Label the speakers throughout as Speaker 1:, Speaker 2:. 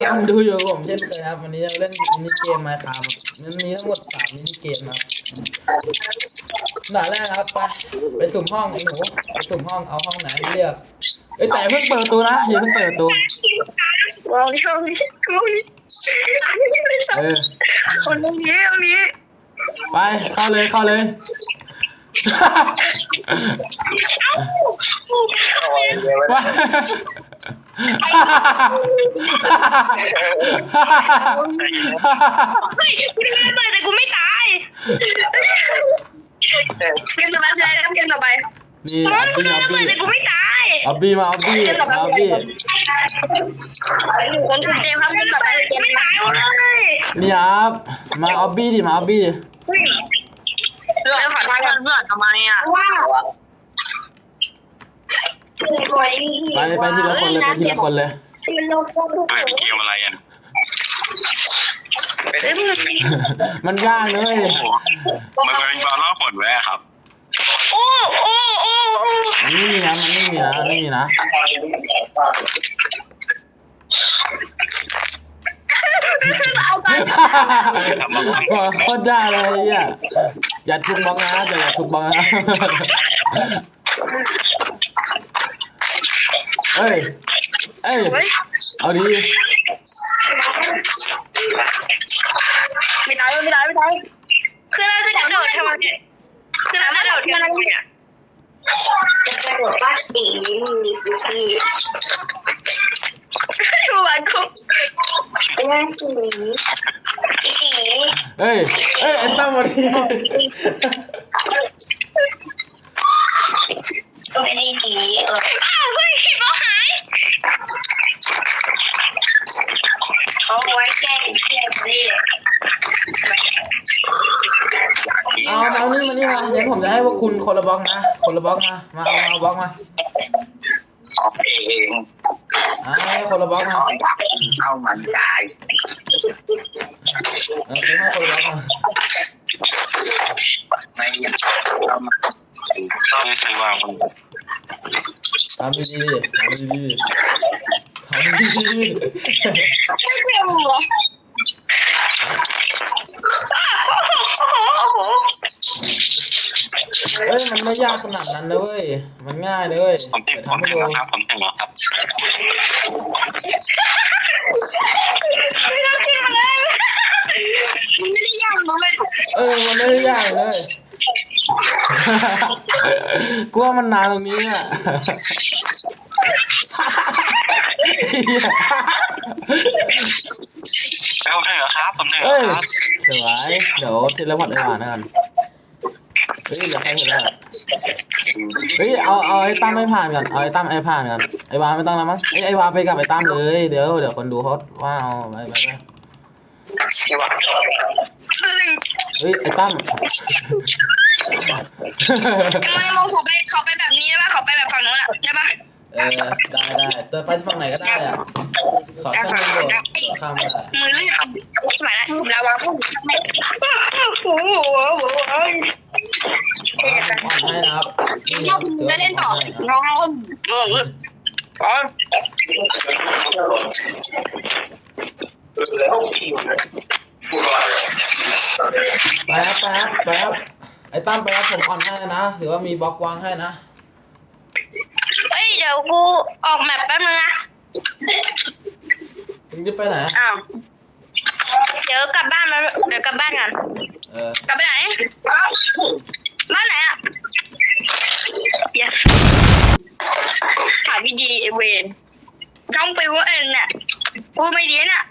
Speaker 1: ต้องดูอยู่ผมเช่นเคยครับวันนี้จะเล่นมินิเกมมาครับมันมีทั้งหมด3มินิเกมครับด่านแรกครับไปสุ่มห้องไอ้หนูไปสุ่มห้องเอาห้องไหนเลือกแต่เพิ่งเปิดประตูนะอย่าเพิ่งเปิดประตู
Speaker 2: วางช่องนี้กูนี่คนตรงนี้
Speaker 1: ไปเข้าเลยว้า
Speaker 2: เฮ้ยกูไม่ตายแต่กูไม่ตายเกมต่อไปเกมต่อไป
Speaker 1: นี่เอาบี้
Speaker 2: แต่กูไม่ตาย
Speaker 1: เอาบี้มา
Speaker 2: คนคุมเกมครับเกมต่อไปเกมไม่ตายเลย
Speaker 1: นี่ครับมาเอาบี้ดิ
Speaker 2: เราขอทางกันเพื่อนทำไมอ่ะ
Speaker 1: ไปทีละคนเลย
Speaker 3: เป็นเกมอะไรอ่ะ
Speaker 1: มันยากเลย
Speaker 3: มันเป็นบอลล่อฝนแวะครับ
Speaker 1: มันไม่มีนะโคตรยากเลยอย่าทุบบล็อกนะอย่าทุบบล็อกนะเอ้ยเอาดี
Speaker 2: ไม่ตายคือเราจะกระโดดทำไมคือเรากระโดดกันอะไรเนี่ยกระโดดป้าสีมีสกีวันคุกยังสี
Speaker 1: ไอ้ตั้มมาที
Speaker 2: ไม่ได้ดีเฮ้ยบอหายเอาไว้แก้นี่
Speaker 1: เอานี่มาเดี๋ยวผมจะให้พวกคุณคนละบล็อกนะมาเอาบล็อกมาคนละบล็อกมา
Speaker 3: เข้ามันได้
Speaker 1: คือให้คนละบล็อกมา
Speaker 3: ไม่เข้ามาไม่ใช่ว่ามัน
Speaker 1: ทำดี
Speaker 2: ไม่เปรี้ยวเหรอ
Speaker 1: มันไม่ยากขนาดนั้นเลยมันง่ายเลย
Speaker 3: ผมถึงแล้วครับ
Speaker 2: ไม่ได้ยากเลย
Speaker 1: มันไม่ได้ยากเลยกลัวมันนานตรงนี้อ่ะ
Speaker 3: ผมถึงแล้วครับ
Speaker 1: สวยเดี๋ยวทีละพัดผ่านนะกันเดี๋ยวใครถึงแล้วเอาไอ้ตั้มไม่ผ่านกันเอาไอ้ตั้มผ่านกันไอ้วาไม่ต้องแล้วมั้งไอ้วาไปกับไอ้ตั้มเลยเดี๋ยวคนดูเขาว่าเอาไปไอ้ตั้ม
Speaker 2: มองเขาไปแบบนี้ได้ป่ะเขาไปแบบฝั่งนู้นอ่ะได้ป่ะ
Speaker 1: ได้เติมไปฝั่งไหนก็ได้อ่ะขอข้ามโดดข้าม
Speaker 2: มือลื่นสมัยนั้นเราวางพวก
Speaker 1: ให้นะครับ
Speaker 2: จะเล่นต่อน้อง
Speaker 1: ไปครับไอ้ตั้มไปครับผมอ่อนให้นะหรือว่ามีบล็อกวางให้นะ
Speaker 2: เดี๋ยวกูออกแมปแป๊บนึงนะ
Speaker 1: มึงจะไปไหน
Speaker 2: เดี๋ยวกลับบ้านกันกลับไปไหนบ้านไหนอ่ะถามพี่ดีเวนต้องไปว่าเนี่ยกูไม่ดีน่ะ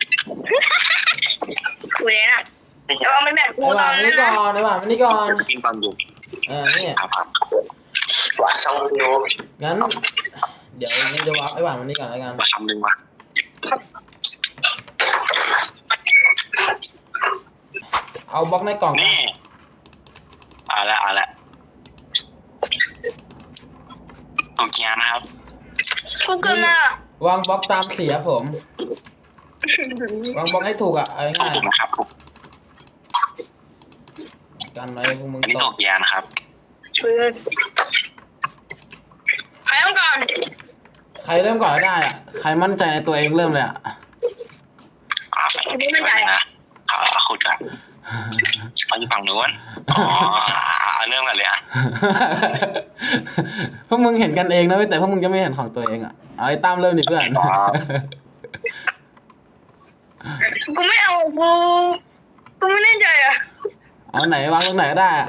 Speaker 2: กูเลยน่ะเอาไม่แบบกูตอน
Speaker 1: นี้ก่อนนี่ก่อน
Speaker 3: กินปันอยู่
Speaker 1: นี่
Speaker 3: วางช่องวิว
Speaker 1: งั้นเดี๋ยวจะวางไอ้หวานมันนี่ก่อนแล้วกัน
Speaker 3: มาทำหนึ่งมา
Speaker 1: เอาบล็อกในกล่อง
Speaker 3: นี่เอาละตกยานะครับ
Speaker 2: กูเกินมาว
Speaker 1: างบล็อกตามสีครับผมวางบล็อกให้ถูกอ่ะเอาง่าย
Speaker 3: นะครับ
Speaker 1: กันไว้พวกมึง
Speaker 3: ตกยานะครับ
Speaker 2: ใครเริ่มก่อน
Speaker 1: ใครเริ่มก่อนก็ได้อ่ะใครมั่นใจในตัวเองเริ่มเลยอ่ะ
Speaker 2: ไม่มั่นใจ
Speaker 3: นะขุดกันเขาอยู่ฝั่งนู้นอ๋อเอาเริ่มกันเลยอ่ะ
Speaker 1: พวกมึงเห็นกันเองนะเว้ยแต่พวกมึงจะไม่เห็นของตัวเองอ่ะเอาไอ้ตั้มเริ่มดิเพื่อน
Speaker 2: กูไม่เอากูไม่แน่ใจอ่ะ
Speaker 1: เอาไหนวางตรงไหนก็ได้อะ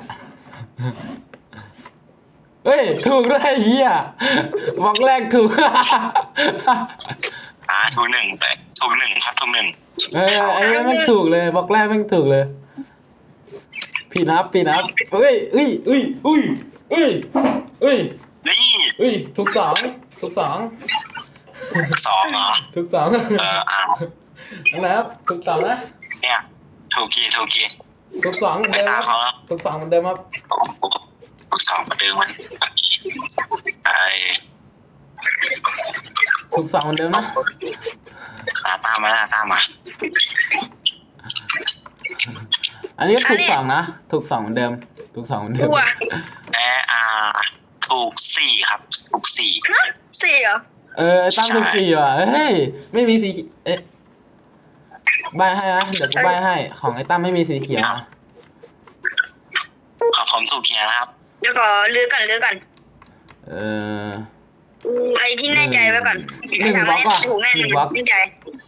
Speaker 1: เฮ้ยถูกด้วยไอ้เหี้ยบล็อกแรกถูก
Speaker 3: ถูกหนึ่งแต่ถูกหนึ่งครับถูกหนึ่ง
Speaker 1: ไอ้แม่งถูกเลยบล็อกแรกแม่งถูกเลยผิดครับเอ้ย
Speaker 3: นี่
Speaker 1: ถูกสอง
Speaker 3: สองเหรอ
Speaker 1: ถูกสอง
Speaker 3: อ้าว
Speaker 1: นะครับถูกสองนะ
Speaker 3: เนี่ยถูกกี่
Speaker 1: ถูกสองเหมือนเดิมครับถูกสองเหมือนเดิมครับ
Speaker 3: ถูกสองมาดึงมันไอ้
Speaker 1: ถูกสองเหมือนเดิมนะ
Speaker 3: ตามมา
Speaker 1: อันนี้ก็ถูกสองนะถูกสองเหมือนเดิมถูกสองเหมือนเดิม
Speaker 2: กูอ่ะ
Speaker 3: ถูกสี่ครับถูกสี่
Speaker 2: ฮะสี่เหรอ
Speaker 1: ไอ้ตั้มถูกสี่ว่ะเฮ้ยไม่มีสีใบให้นะเดี๋ยวกูใบให้ของไอ้ตั้มไม่มีสีเขียวนะ
Speaker 3: ผมถูกเฮียครับ
Speaker 2: เดี๋ยวก่อนลือกันไอ้ที่แน่ใจไว้ก่อน
Speaker 1: หนึ่งบล็อกอ่ะ
Speaker 2: ถูกแน่
Speaker 1: หนึ่งบล็อก
Speaker 2: แน่ใจ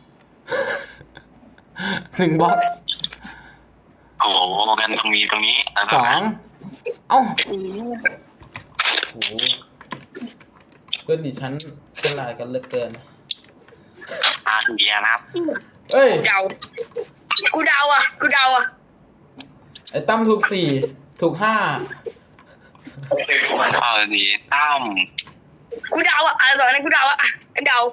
Speaker 1: หนึ่งบล็อก
Speaker 3: โอ้โหกันตรงนี้
Speaker 1: สองเอ้าโอ้โหเพื่อนดิฉันเป็นลายกันเหลือเกิน
Speaker 3: ถูกเฮียนะครับ
Speaker 1: เอ้ย
Speaker 2: กูเดาอ่ะ
Speaker 1: ไอ้ตั้มถูกสี่ถูกห้า
Speaker 3: ดีตั้ม
Speaker 2: กูเดาอ่ะอะไรต่อเนี่ยกูเดาอ่ะเดา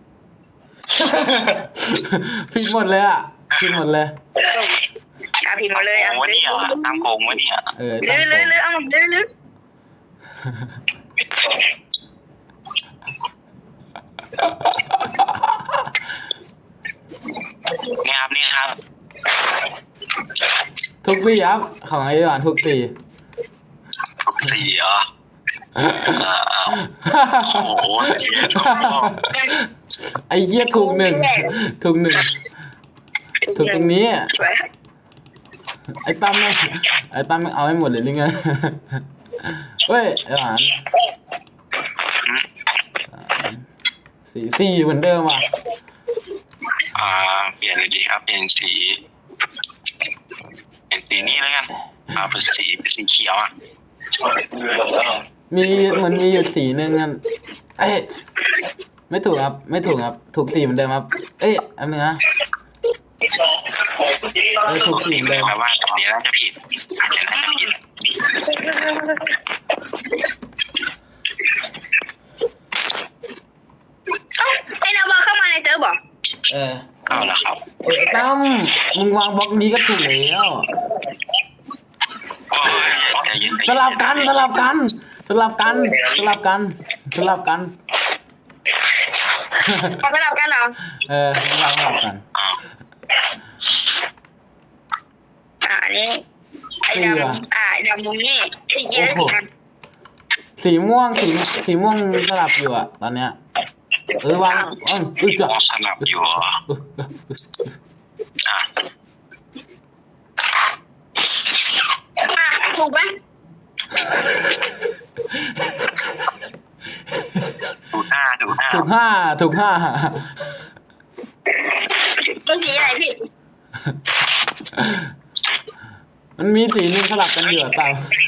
Speaker 1: ผิดหมดเลยอ่ะผิดหมดเลย
Speaker 2: กาผิดหมดเลยอ่ะ
Speaker 3: วะเนี่ยตั้มโกงวะเนี่ย
Speaker 1: ตั้ม
Speaker 2: ลือเอามาลือ
Speaker 3: นี่ครับ
Speaker 1: ถูกสี่ครับของไอ้หวานถูกสี่
Speaker 3: ถูกสี่เหรอโอ้โห
Speaker 1: ไอ้เหี้ยถูกหนึ่งถูกตรงนี้
Speaker 2: สวย
Speaker 1: ไอ้ตั้มไม่เอาให้หมดเลยหรือไงเฮ้ยไอ้หวานสี่เหมือนเดิมอ่ะ
Speaker 3: เปลี่ยนเลยดีครับเปลี่ยนสีนี้แล้วกันเป็นสีเขียวอ่ะ
Speaker 1: มีเหมือนมีอยู่สีหนึ่งกันเอ้ยไม่ถูกครับถูกสี่เหมือนเดิมครับเอ้ยอันนึงนะถูกสี่เหมือนเดิม
Speaker 3: แปลว่าอันนี้น่าจะผิดอาจจะน่าจะผิด
Speaker 2: ไอ้นาบอลเข้ามาในเซิร์ฟบอก
Speaker 3: เอาละครับ
Speaker 1: ไอ้ตั้มมึงวางบล็อกนี้ก็ถูกแล้วสลับกัน
Speaker 2: เอาสลับกันเหรอ
Speaker 1: วางสลับกัน
Speaker 2: นี่ไอ้ดำมุมนี่ไอ้เจี๊ยบ
Speaker 1: สีม่วงสลับอยู่อ่ะตอนเนี้ยวาง
Speaker 3: จะสลับอยู่
Speaker 2: ถูกไหม
Speaker 3: ถูกห้า
Speaker 2: มันสีอะไรพี่
Speaker 1: มันมีสีนึงสลับกันอยู่อ่ะตาม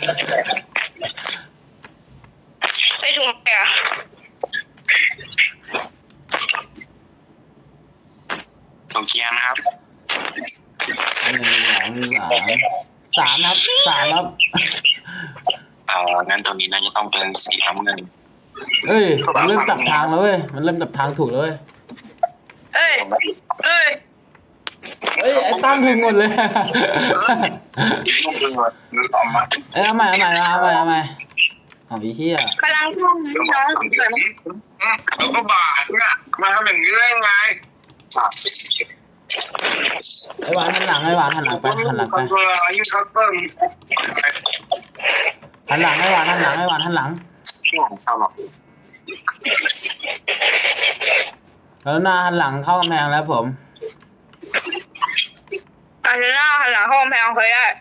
Speaker 2: ไม่ถูกอ่ะ
Speaker 3: ถูกเคียงนะครับ
Speaker 1: สามครับ
Speaker 3: งั้นตัวนี้น่าจะต้องเป็นสีน้ำเงิน
Speaker 1: เอ้ยมันเริ่มจับทางแล้วเว้ยมันเริ่มจับทางถูกแล้วเว้ย
Speaker 2: เอ้ย
Speaker 1: ไอ้ตั้มถึงหมดเลยเอาใหม่เอาอีเหี้ย
Speaker 2: กำลังท่องน้องเกิด
Speaker 3: แล้วก็บาดเนี่ยมาทำอย่างนี้ได้ไง
Speaker 1: ไอ้หวานหันหลังไปหันหลังไอ้หวานหันหลังแล้วหน้าหันหลังเข้ากำแพงแล้วผม
Speaker 2: อาเซน่าหันหลังเข้ากำแพงเคยได้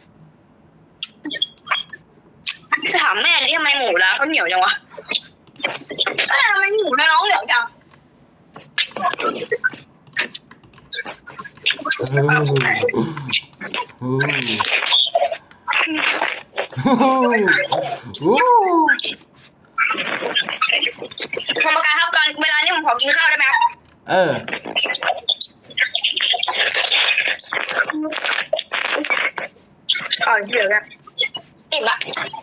Speaker 2: ถามแม่ดิทำไมหมูแล้วเขาเหนียวจังวะทำไมหมูแล้วน้องเหนียวจัง กรรมการครับตอนเวลานี้ผมขอกินข้าวได้ไหมครับ
Speaker 1: เออ
Speaker 2: เดี๋ยวนะอิ่มละ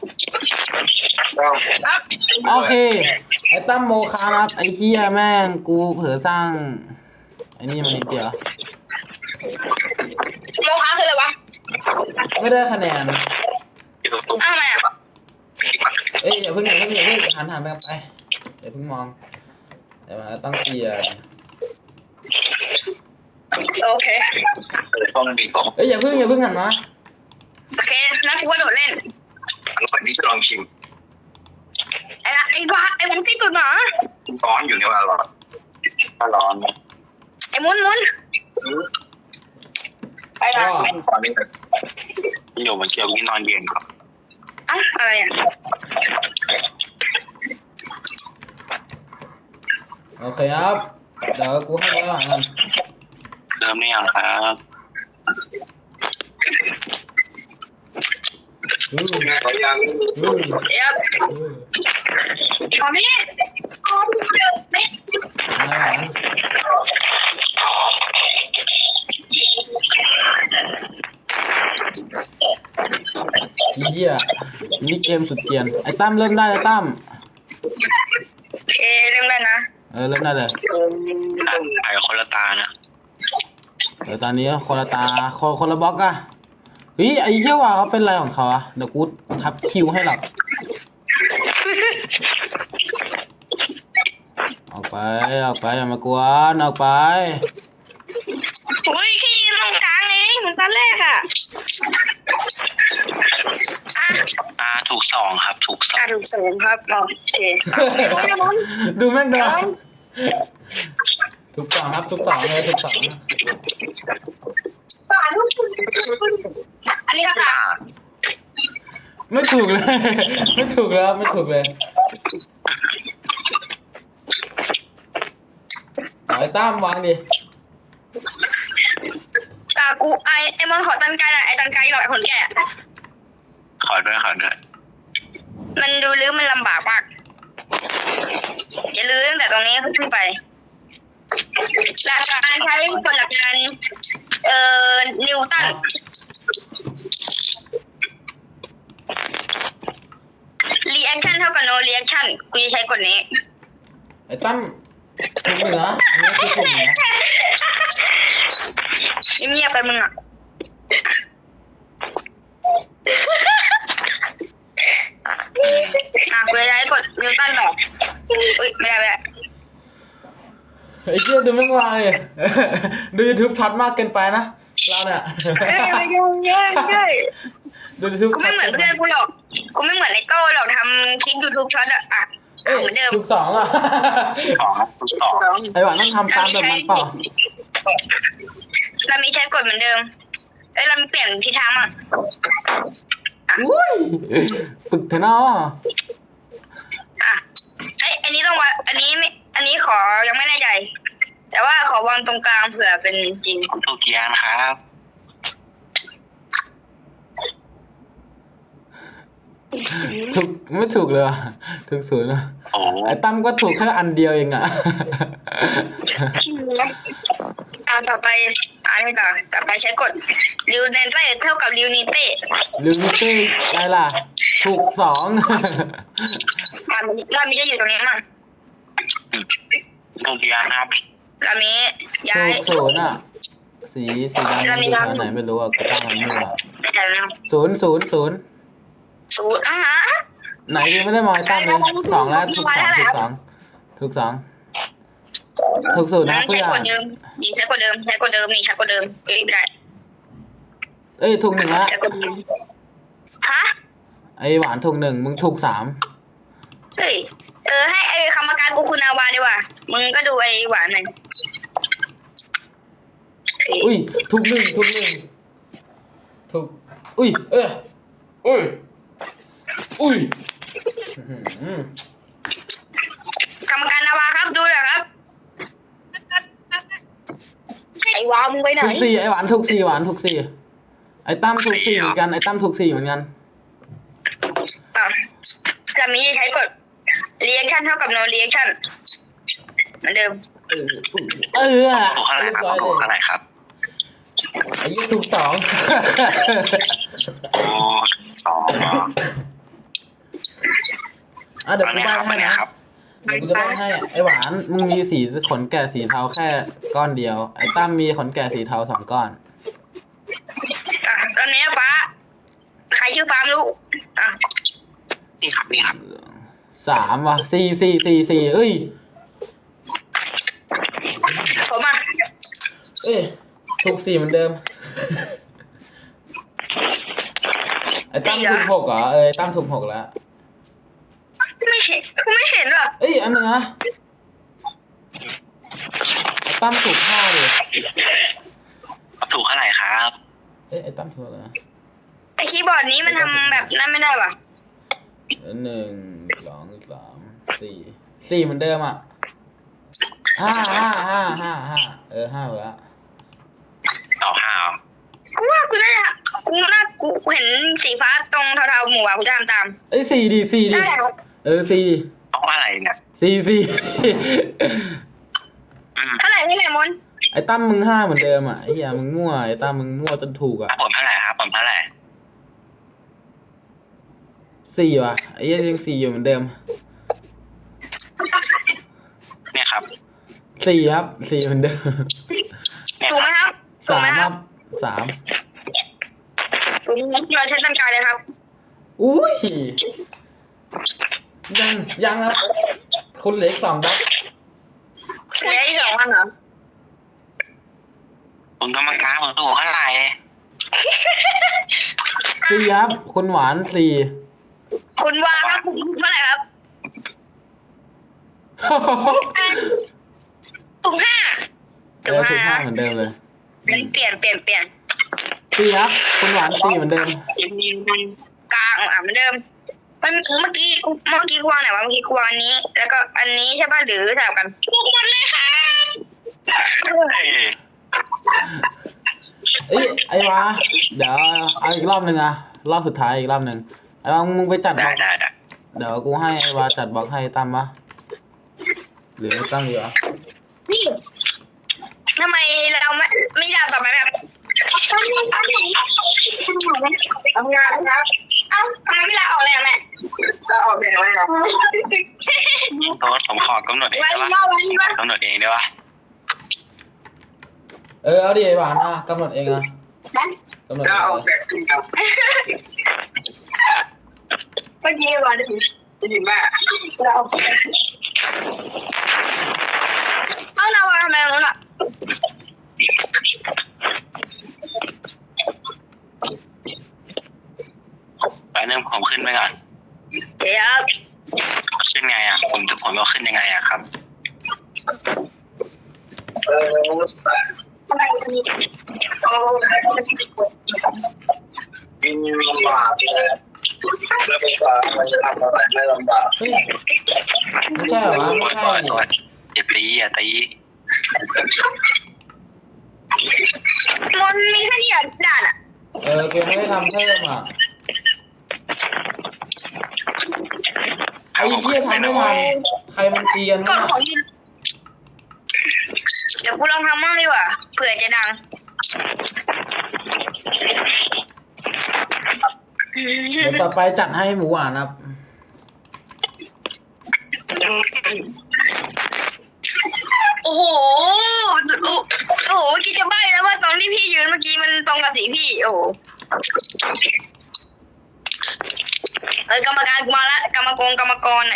Speaker 2: ครับ
Speaker 1: โอเค ไอ้ตั้มโมคานะครับ ไอ้เฮียแม่งกูเผลอสร้างไอ้นี่มันนิดเดียว
Speaker 2: โมค้าคืออะไรวะ
Speaker 1: ไม่ได้คะแนน
Speaker 2: อ้าวทำไมอ่ะ
Speaker 1: เอ้ยอย่าเพิ่งหันไปไปอย่าเพิ่งมองเดี๋ยวมาต้องเปลี่ยน
Speaker 2: โอเค
Speaker 3: ต้องมีของ
Speaker 1: เอ้ยอย่าเพิ่งหันมา
Speaker 2: โอเคนักกูกระโดดเล่น
Speaker 3: วันนี้จะลองชิม
Speaker 2: ไอ้มุนซี่ตุ่นหมา
Speaker 3: ร้อนอยู่ในวันร้อนถ้าร้อน
Speaker 2: ไอ้มุนไปละ
Speaker 3: ตอนนี้อยู่มาเกี่ยวกินนอนเย็นครับ
Speaker 2: อ่ะอะไรอ่ะ
Speaker 1: โอเคครับเดี๋ยวกูให้ไว้ก่อนกัน
Speaker 3: เริ่มได้ยังครับ
Speaker 1: อืม
Speaker 2: เดี๋ยวพอไหมพอพี่เดินไหม
Speaker 1: อะไรวะเฮียนี่เกมสุดเกรียนไอ้ตั้มเริ่มได้แล้วตั้ม
Speaker 2: โอเคเริ่มได้นะ
Speaker 1: เริ่มได้เลย
Speaker 3: ไอ้คนละตานะ
Speaker 1: เดี๋ยวตอนนี้คนละตาคนละบล็อกอะเฮ้ยไอ้เหี้ยว่าเขาเป็นอะไรของเขาอะเดี๋ยวกูทับคิวให้หรอกออกไปอย่ามากวนออกไป
Speaker 2: อุ้ยแค่ยืนตรงกลางเองเหมือนตอนแรกอ่ะ
Speaker 3: ถูกสองครับถูกสอง
Speaker 2: ถูกสูงครับโอเคมุน
Speaker 1: ดูแม่งเดินทุกสองครับทุกสองเลยทุกสอง
Speaker 2: อันนี้ครับ
Speaker 1: ไม่ถูกเลย ไม่ถูกแล้วไม่ถูกเลยเอาไอ้ตั้มวางดิ
Speaker 2: กูไอ้มอนขอตันไกลหน่อยไอ้ตันไกลหน่อยคนแก่
Speaker 3: ขอด้วย
Speaker 2: มันดูลื้อมันลำบากมากจะลื้อตั้งแต่ตรงนี้ขึ้นไปหลักการใช้กฎหลักการนิวตันรีแอคชั่นเท่ากับ no reaction กูจะใช้กฎนี้
Speaker 1: ไอ้ตั้มถูกเหนืออันนี้คือถูกเหนือ
Speaker 2: เงียบไปมึงอ่ะกูจะใช้กฎนิวตันต่ออุ้ยไม่ได้
Speaker 1: ไอ้เหี้ยดูแม่งวางเลยดู YouTube ทัดมากเกินไปนะเราเนี่ย
Speaker 2: ไม่ยุ่งเยอะใช่
Speaker 1: ดู YouTube
Speaker 2: กูไม่เหมือนเพื่อนกูหรอกกูไม่เหมือนไอ้โต้หรอกทำคลิป YouTube ช็อตอะเหมือนเดิม
Speaker 1: ถูกสองอ่ะ
Speaker 3: ถูกสอง
Speaker 1: ไอ้หวานต้องทำตามแบบมันเปล่า
Speaker 2: เรามีใช้กฎเหมือนเดิมเรามีเปลี่ยนทิศทางอ่ะ
Speaker 1: อุ้ยปึกเถอะเนาะ
Speaker 2: อันนี้ต้องวางอันนี้ขอยังไม่แน่ใจแต่ว่าขอวางตรงกลางเผื่อเป็นจริง
Speaker 3: ถูกเกียร์นะครับ
Speaker 1: ถูกไม่ถูกเลยว่ะถูกศูนย์นะ
Speaker 3: โอ้
Speaker 1: ไอ้ตั้มก็ถูกแค่อันเดียวเองอ่ะ
Speaker 2: ต่อไปอันนี้ต่อไปใช้กฎริวเนเต้เท่ากับริวนิเต้
Speaker 1: ลิมิตี้อะไรล่ะ ถูกสอง
Speaker 2: เรามีจะอยู่ตรงนี้มั้ง
Speaker 3: ถูกเกียร์นะครับ
Speaker 2: เรามีย้า
Speaker 1: ถู
Speaker 2: ย
Speaker 1: กศูนย์อ่ะ สีดำมันอยู่แถวไหนไม่รู้อ่ะกูตั้งมันมั่วศูนย์
Speaker 2: ศูนย์
Speaker 1: ไหนกูไม่ได้มองไอ้ตั้มเลยสองแล้วถูกสองถูกศูนย์นะ
Speaker 2: ใช้
Speaker 1: เพื่อน
Speaker 2: กฎเดิมยิงใช้กฎเดิมนี่ใช้กฎเดิมไม่ได้
Speaker 1: เอ้ยถูกหนึ่งละ
Speaker 2: ใช้กฎเดิมฮะ
Speaker 1: ไอ้หวานถูกหนึ่งมึงถูกสาม
Speaker 2: เฮ้ยให้ไอ้กรรมการกูคุณาวาดีกว่ามึงก็ดูไอ้หวานหน่อย
Speaker 1: อุ้ยถูกหนึ่งถูกอุ้ยอุ้ยอื้อหือก
Speaker 2: รรมการนาวาครับดูหน่อยครับไอ้วาวมึงไปไหน
Speaker 1: ถูกสี่ไอ้หวานถูกสี่หวานถูกสี่ไอ้ตั้มถูกสี่เหมือนกันไอ้ตั้มถูกสี่เหมือนกัน
Speaker 2: จะมีใช้กด reaction เท่ากับ no reaction เหมือนเดิม
Speaker 3: ถูกเท่าไหร่ครับถูกเท่าไหร่ครับ
Speaker 1: ไอ้ยี่ถูกสอง
Speaker 3: โอ้สอง
Speaker 1: เดี๋ยวกูใบ้ให้นะครับ เดี๋ยวกูจะใบ้ให้ไอ้หวานมึงมีสีขนแกะสีเทาแค่ก้อนเดียวไอ้ตั้มมีขนแกะสีเทา2 ก้อน
Speaker 2: ตอนนี้ฟ้าใครชื่อฟ้าไม่รู้
Speaker 3: นี่ครับนี่ครับ
Speaker 1: 3ว่ะ4เอ้ย
Speaker 2: ผม
Speaker 1: เอ้ยถูก4เหมือนเดิม ไอ้ตั้มถูก6เหรอไอ้ตั้มถูก6แล้ว
Speaker 2: ไม่เห็นหรอ
Speaker 1: เอ้ยอันนึงนะไอ้ตั้มถูก5ดิ
Speaker 3: ถูกเท่าไหร่ครับ
Speaker 1: ไอ้ตั้มถูกอะไร
Speaker 2: ไอ้คีย์บอร์ดนี้มันทำแบบนั้นไม่ได้ป่ะ
Speaker 1: 1 2 3 4เหมือนเดิมอ่ะ5 5แล้ว
Speaker 3: เอา
Speaker 2: กูว่ากูเห็นสีฟ้าตรงเทาๆหมู่อ่ะกูจะทำตาม
Speaker 1: เอ้ย4ดิ4
Speaker 3: ต้องอะไรเนี่ย
Speaker 1: 4
Speaker 2: เท่าไหร่มน
Speaker 1: ไอ้ตั้มมึง5เหมือนเดิมอ่ะไอ้เหี้ยมึงมั่วไอ้ตั้มมึงมั่วจนถูกอ่ะ
Speaker 3: ผมเท่าไหร่ครับผมเท่าไหร่
Speaker 1: 4ว่ะไอ้เหี้ยยัง4อยู่เหมือนเดิม
Speaker 3: เนี่ยครับ
Speaker 1: 4ครับ4เหมือนเดิม
Speaker 2: ถูกไหมครับ
Speaker 1: 3ครับ
Speaker 2: ถูกเราใช้ตั้งใจเลยครับ
Speaker 1: อุ้ยยังครับคุณเหลืออีก2บล็อก
Speaker 2: เหลืออีก2 วันเหรอ
Speaker 3: ผมกรรมการผมถูกเท่าไหร่
Speaker 1: 4ครับคุณหวาน4
Speaker 2: คุณว่าครับเท่าไหร่ครับถูก5
Speaker 1: ถูก5เหมือนเดิมเลย
Speaker 2: เปลี่ยน
Speaker 1: 4ครับคุณหวาน4เหมือนเดิม
Speaker 2: กลางเหมือนเดิมเมื่อกี้กวางไหนวะเมื่อกี้กวางอันนี้แล้วก็อันนี้ใช่ป่ะหรือสลับกันถูกหมดเลยครับ
Speaker 1: ไอ้วะเดี๋ยวเอาอีกรอบนึงอะรอบสุดท้ายอีกรอบนึงไอ้วะมึงไปจัดบล็อกเดี๋ยวกูให้ไอ้วะจัดบล็อกให้ตั้มปะหรือไม่ตั้มดีวะ
Speaker 2: ทำไมเราไม่ด่าต่อไปแบบทำงานครับทำไมไม่ลาออกเลยแม่ลาออกเลยไหมครับ
Speaker 3: โทษผมขอกำหนดเองได้ปะกำหนดเองได้ปะ
Speaker 1: เอาดิไอ้หวานกำหนดเองนะกำหนดเอง
Speaker 2: เมื่อกี้หวานจะดีมากเราเอานาวาทำไมงั้นอ่ะ
Speaker 3: ไปเริ่มผมขึ้นไปก่อน
Speaker 2: เดี๋ยว
Speaker 3: ขึ้นไงอ่ะผมก็ขึ้นยังไงอ่ะครับ
Speaker 4: ยิ่งลำบากเลยแล้วลำบากมันจะทำอะไรไม่ลำบาก
Speaker 1: ไม่ใช่เหรอไม่ใช่
Speaker 3: อย่าตี
Speaker 2: มันมีแค่นี้ด่านอ่ะ
Speaker 1: กูไม่ได้ทำเพิ่มอ่ะไอ้เหี้ยทำไม่ทันใครมันเตียน
Speaker 2: กดของยืนเดี๋ยวกูลองทำมั่งดีกว่าเผื่อจะดัง
Speaker 1: เดี๋ยวต่อไปจัดให้หมูหวานครับ
Speaker 2: โอ้โหคิดจะใบ้แล้วว่าตรงที่พี่ยืนเมื่อกี้มันตรงกับสีพี่โอ้กรรมการมาละกรรมกรไหน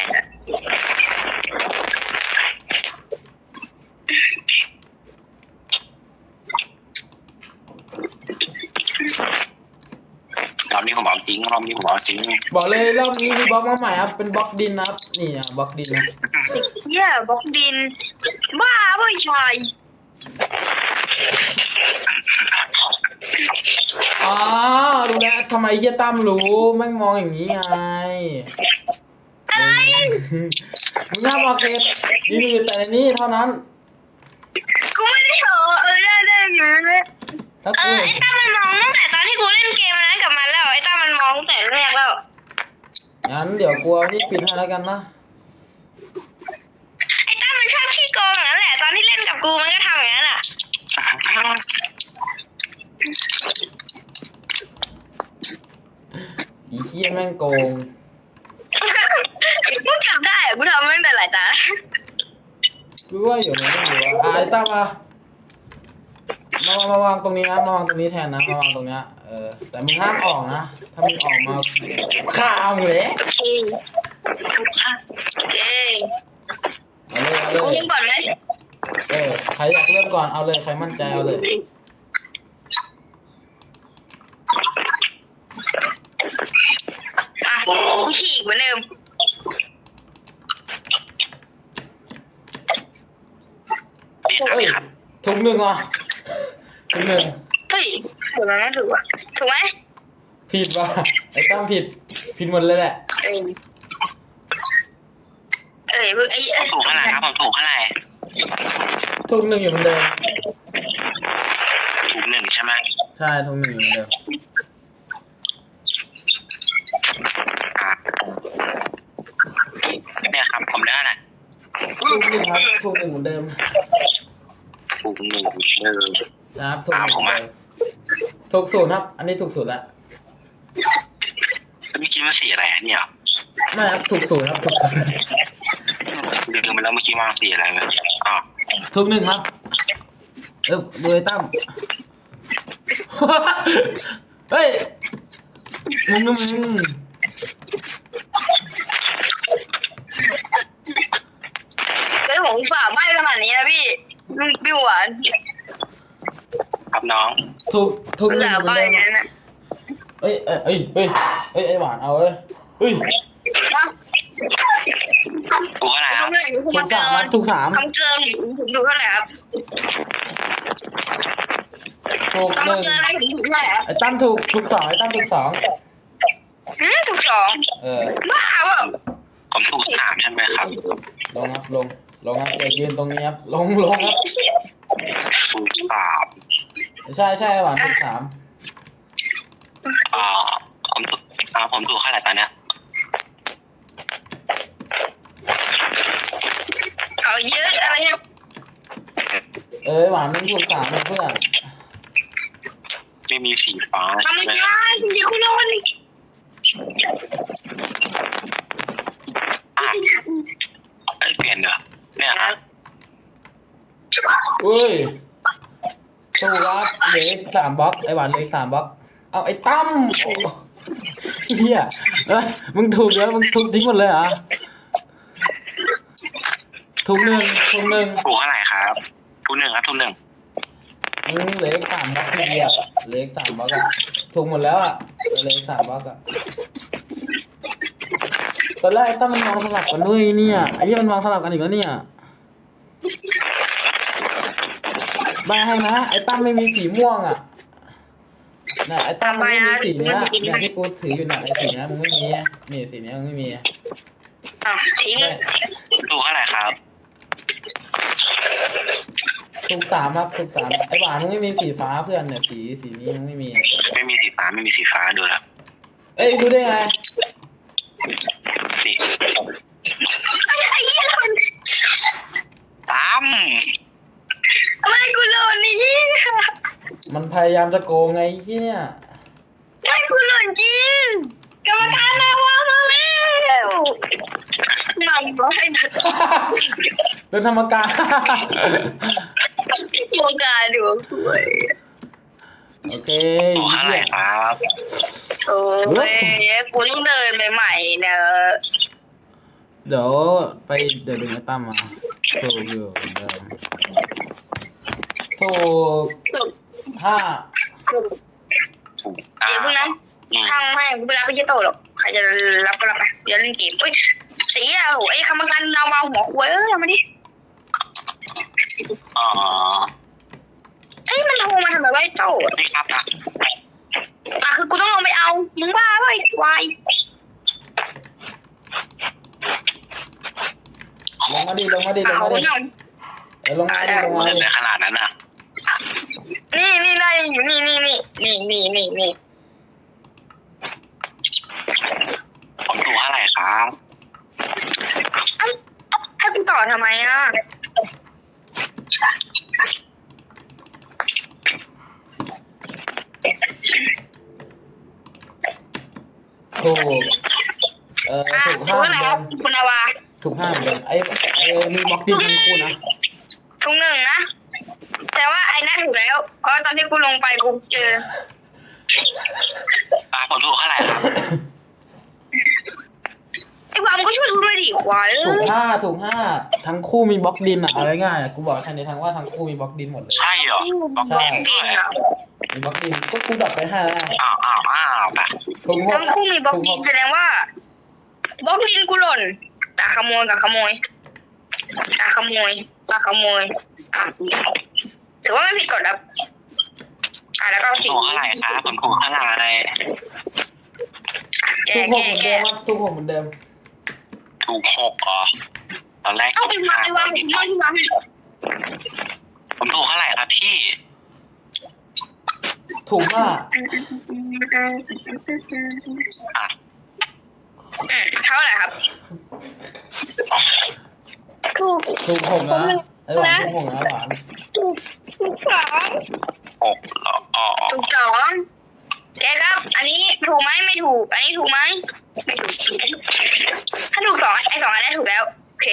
Speaker 3: รอบนี้ผมเอาจริง
Speaker 1: บอกเลยรอบนี้มีบล็อกมาใหม่ครับเป็นบล็อกดินครับนี่บล็อกดินนะ
Speaker 2: บล็อกดินบ้าไม่ใช่
Speaker 1: อ๋อทำไมเฮียตั้มรู้แม่งมองอย่างนี้ไง
Speaker 2: อะไร
Speaker 1: มึงห้ามเอาเคสยืนอยู่แต่ในนี้เท่านั้น
Speaker 2: กูไม่ได้เหรอได้อยู่เลย
Speaker 1: ถ้ากู
Speaker 2: ไอ้ตั้มมันมองตั้งแต่ตอนที่กูเล่นเกมนั้นกับมันแล้วไอ้ตั้มมันมองตั้งแต่แรกแล้ว
Speaker 1: งั้นเดี๋ยวกูเอานี่ปิดให้แล้วกันนะ
Speaker 2: ไอ้ตั้มมันชอบขี้โกงอย่างนั้นแหละตอนที่เล่นกับกูมันก็ทำอย่างนั้นอ่ะ
Speaker 1: อีเฮียแม่งโกง
Speaker 2: กูจับได้อะกูทำมาตั้งแต่หลายตา
Speaker 1: กูว่าอยู่มันไม่อยู่อ่ะไอ้ตั้มมาวางตรงนี้นะมาวางตรงนี้แทนนะมาวางตรงเนี้ยแต่มึงห้ามออกนะถ้ามึงออกมาฆ่ามึงเลย
Speaker 2: โอเค
Speaker 1: เอาเลย
Speaker 2: กูยิงก่อนไหม
Speaker 1: ใครอยากเริ่มก่อนเอาเลยใครมั่นใจเอาเลย
Speaker 2: อ่ะกูฉีกเหมือนเดิม
Speaker 1: เฮ้ยถุงหนึ่งอ่ะถุงหนึ่ง
Speaker 2: เฮ้ยถูกไหมถูกอ่ะถูกไหม
Speaker 1: ผิดว่ะไอ้ตั้มผิดหมดเลยแหละ
Speaker 2: เพิ่งไอ้
Speaker 3: ถูกเท่าไหร่ครับผมถูกเท่าไหร่
Speaker 1: ถุงหนึ่งอยู่เหมือนเดิม
Speaker 3: ถูกหนึ่งใช่ไหม
Speaker 1: ใช่ถุงหนึ่งอยู่เหมือนเดิม
Speaker 3: เนี่ยครับผมได้เท่าไหร่
Speaker 1: ถุงหนึ่งครับถุงหนึ่งเหมือนเดิม
Speaker 3: ถูกหนึ่ง
Speaker 1: ครับถุงหนึ่งเหมือนเดิมถูกศูนย์ครับ อันนี้ถูกศูนย์ละ
Speaker 3: แล้วเมื่อกี้มันสีอะไรเนี่ย
Speaker 1: ไม่ครับถูกศูนย์ครับถูกศูนย์
Speaker 3: ลืมไปแล้วเมื่อกี้มาสีอะไรเนี่ยอ๋อ
Speaker 1: ถูกหนึ่งครับดูไอ้ตั้ม เฮ้ยมึง
Speaker 2: เฮ้ยผมฝ่าใบขนาดนี้นะพี่หวาน
Speaker 3: ครับน้อง
Speaker 1: ถูกหนึ่งเหมือนเดิม
Speaker 2: งั้นนะ
Speaker 1: เอ้ยไอ้หวานเอาเลยเฮ้ย
Speaker 3: ถูกเท่าไหร่ครับ
Speaker 1: ถูกสามครับถูกสาม
Speaker 2: ทำเกินผมดูเท่าไหร่ครับ
Speaker 1: ถูกหนึ่ง
Speaker 2: ทำเกินอะไรผมดูเท่าไหร่ครับ
Speaker 1: ไอ้ตั้มถูกสองไอ้ตั้มถูกสอง
Speaker 2: ถูกสอง บ้าเปล่า
Speaker 3: ผมถูกสามใช่ไหมครับ
Speaker 1: ลงครับลงครับอย่ายืนตรงนี้ครับลงครับ
Speaker 3: ถูกสาม
Speaker 1: ใช่หวานถูกสาม
Speaker 3: ผมถูกเท่าไหร่ตอนเนี้ย
Speaker 2: เอาเยอะอะไรเนี่ย
Speaker 1: หวานมึงถูกสามเพื่อน
Speaker 3: ไม่มีสีฟ้า
Speaker 2: ทำไม่ได้จริงๆคุณโดน
Speaker 3: เปลี่ยนเหรอเนี่ยครับ
Speaker 1: เฮ้ยถูกครับเหลือสามบล็อกไอ้หวานเหลือสามบล็อกเอาไอ้ตั้มเฮียมึงถูกแล้วมึงถูกทิ้งหมดเลยเหรอถูกหนึ่ง
Speaker 3: ถูกเท่าไหร่ครับถูกหนึ่งครับถูกหนึ่ง
Speaker 1: มึงเหลือสามบล็อกพี่อ่ะเหลือสามบล็อกอ่ะถูกหมดแล้วอ่ะเหลือสามบล็อกอ่ะตอนแรกไอ้ตั้มมันวางสลับกันด้วยเนี่ยไอ้ที่มันวางสลับกันอีกแล้วเนี่ยใบให้นะไอ้ตั้มไม่มีสีม่วงอ่ะน่ะไอ้ตั้มมันไม่มีสีเนี้ยเนี่ยที่กูถืออยู่น่ะไอ้สีเนี้ยมึงไม่มีนี่สีเนี้ยมึงไม่มี
Speaker 2: ทิ้ง
Speaker 3: ถูกเท่าไหร่ครับ
Speaker 1: ถูกสามครับถูกสามไอ้หวานมึงไม่มีสีฟ้าเพื่อนเนี่ยสีนี้มึงไม่มี
Speaker 3: ไม่มีสีฟ้าไม่มีสีฟ้าดูแล้ว
Speaker 1: เอ้ยดูได้ไง
Speaker 3: นี่
Speaker 2: ไอ้เหี้ยมัน
Speaker 3: ตั้ม
Speaker 2: ทำไมกูโดนนี่
Speaker 1: มันพยายามจะโกงไงที่เนี่ย
Speaker 2: ไม่กูโดนจริงกรรมการมาว่ามาแล้วนำร้อยนะ
Speaker 1: โดนธรรมการ
Speaker 2: กรรมการดูสวย
Speaker 1: โอเค
Speaker 3: ถูกเท่าไหร่ครับ
Speaker 2: โอ้ยกูต้องเดินไปใหม่เนอะ
Speaker 1: เดี๋ยวดึงไอ้ตั้มมาถูกอยู่เหมือนเดิมถูก
Speaker 2: สุด
Speaker 1: ห้า
Speaker 2: สุด
Speaker 3: ถูก
Speaker 2: เดี๋ยวพวกนั้นทางไม่กูไปรับไปเยอะโตหรอกใครจะรับก็รับไปเดี๋ยวเล่นเกมอุ้ยสีอ่ะโอ้ยคำกันเอามาหัวควายเอามาดิ
Speaker 3: อ๋อ
Speaker 2: มันโทรมาทำไมไว้โต
Speaker 3: นี่ครับนะ
Speaker 2: คือกูต้องลงไปเอามึงบ้าเว้ยวาย
Speaker 1: ลงมาดิลงมาดิลงมาดิลงมาดิลงมาดิ
Speaker 3: ในขนาดนั้นน่ะ
Speaker 2: นี่ได้อยู่นี่
Speaker 3: ผมถูกเท่าไหร่ครับ
Speaker 2: ให้กูต่อทำไมอ่ะ
Speaker 1: ถูกถูก
Speaker 2: ถู
Speaker 1: ห้าก ม
Speaker 2: แล้
Speaker 1: เดิ
Speaker 2: ว
Speaker 1: ม
Speaker 2: คุณอาวา
Speaker 1: ถูกห้ามเดิมไอ้มีบล็อกดินทั้งคู่นะ
Speaker 2: ทุกหนึ่งนะแต่ว่าไอ้นั่นถูกแล้วเพราะตอนที่กูลงไปกูเจอ
Speaker 3: ผมถูกเท่าไหร่ครับ
Speaker 2: ไอ้วามก็ช่วยทุกด้วยดิควาย
Speaker 1: ถูกห้าทั้งคู่มีบล็อกดินอ่ะเอาง่ายๆกูบอกแค่นี้ทั้งว่าทั้งคู่มีบล็อกดินหมดเลย
Speaker 3: ใช่เหรอบอก
Speaker 1: ใช่
Speaker 2: ดินอ่ะ
Speaker 1: มีบล็อกดินก็กูดับไปห้าแล้ว
Speaker 3: อ้าวแบบ
Speaker 1: ถูกหก
Speaker 2: ทั้งคู่มีบล็อกดินแสดงว่าบล็อกดินกูหล่นตาขโมยอ่ะถือว่าไม่ผิดกฎครับแล้วก็
Speaker 3: ถูกเท่าไหร่ครับผมถูกเท่าไหร่
Speaker 2: แก
Speaker 1: ถูกหกเหมือนเดิมครับถูกหกเหมือนเดิม
Speaker 3: ถูก6เหรอตอนแรก
Speaker 2: เอาไปวางที่วางให้
Speaker 3: ผมถูกเท่าไหร่ครับพี่
Speaker 1: ถูกห้า
Speaker 2: เท่าไหร่ครับถูก
Speaker 1: หกนะไอ้หวานถูกหกนะหวาน
Speaker 2: ถูกสอง
Speaker 3: 6เหรออ๋อ
Speaker 2: ถูกสองแกครับ อันนี้ถูกไหมไม่ถูก อันนี้ถูกไหมไม่ถูกถ้าถูกสองไอ้สองอันนี้ถูกแล้วโอเค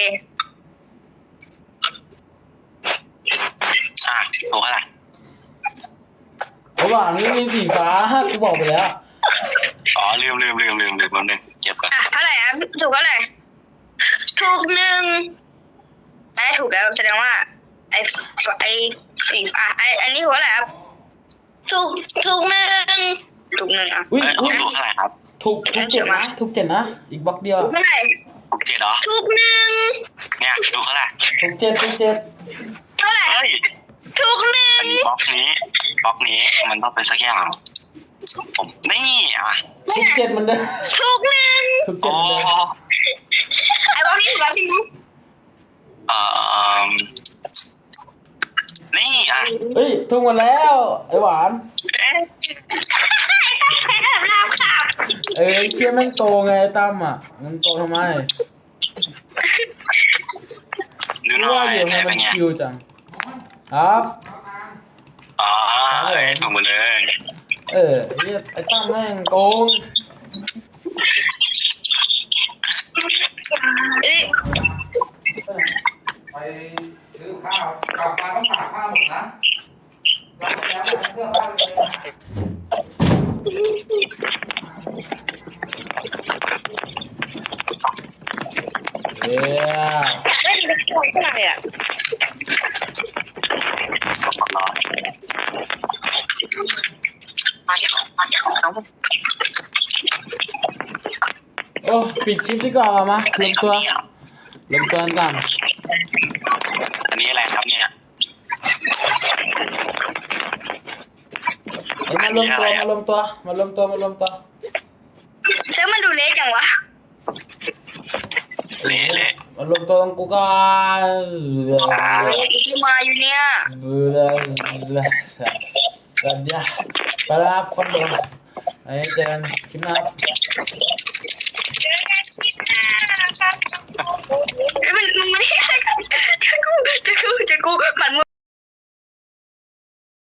Speaker 3: ถูกเท่าไหร่
Speaker 1: ไอ้หวานนี่มีสีฟ้ากูบอกไปแล้ว
Speaker 3: อ๋อลืมแป๊บนึงเก็บก่อน
Speaker 2: เท่าไหร่ครับถูกเท่าไหร่ถูกหนึ่งอันนี้ถูกแล้วแสดงว่าไอ้สีฟ้าอันนี้ถูกเท่าไหร่ครับถูกหนึ่งอ่ะ
Speaker 1: อุ้ย
Speaker 3: ผมถูกเท่าไหร่ครับ
Speaker 1: ถูกเจ็ดนะถูกเจ็ดนะอีกบล็อกเดียว
Speaker 2: ถูกเท่าไหร่
Speaker 3: ถูก7เหรอ
Speaker 2: ถูกหนึ่ง
Speaker 3: เนี่ยถูกเท่าไหร่
Speaker 1: ถูกเจ็ด
Speaker 2: เท่าไหร่
Speaker 3: เฮ้ย
Speaker 2: ถูกหนึ่ง
Speaker 3: บล็อกนี้มันต้องเป็นสักอย่างผมนี่อ่ะ
Speaker 1: ถูกเจ็ดเหมือนเดิม
Speaker 2: ถูกหนึ่ง
Speaker 1: ถูกเจ็
Speaker 3: โอ้
Speaker 1: ดเหมือนเดิม
Speaker 2: ไอ้บอลนี่ถูกแล้วจริงไหม
Speaker 3: นี่อ่ะ
Speaker 1: เฮ้ยถูกหมดแล้วไอ้หวานเชี่ยแม่งโตไงไอ้ตั้มอ่ะมันโตทำไม
Speaker 3: ดูห
Speaker 1: ไม่
Speaker 3: น่อ
Speaker 1: ว่าย อยู่
Speaker 3: เป็
Speaker 1: มัน
Speaker 3: นไง
Speaker 1: คิวจังครับ
Speaker 3: อ๋อถูกหมดเลย
Speaker 1: ไอ้ตั้มแม่งโกง
Speaker 5: ไปซื้อข้าวกลับมาต้องตากผ้าหมดนะแล้วก็แล้วเสื้อผ้าเลยนะ
Speaker 1: เย้
Speaker 2: เฮ้ยมันถูกเท่าไหร่อ่ะ
Speaker 1: โอ้ปิดคลิปดีกว่ามารวมตัวกันก่อน
Speaker 3: อันนี้อะไรครับเนี่ย
Speaker 1: มารวมตัว
Speaker 2: เชื่อมันดูเล็กจังวะ
Speaker 3: เละ
Speaker 1: มารวมตัวตรงกูก่อน
Speaker 2: ที่มาอยู่เนี่ย
Speaker 1: กันยาไปแล้วครับคนเดียวไอ้เจอกันคลิปหน้าครับ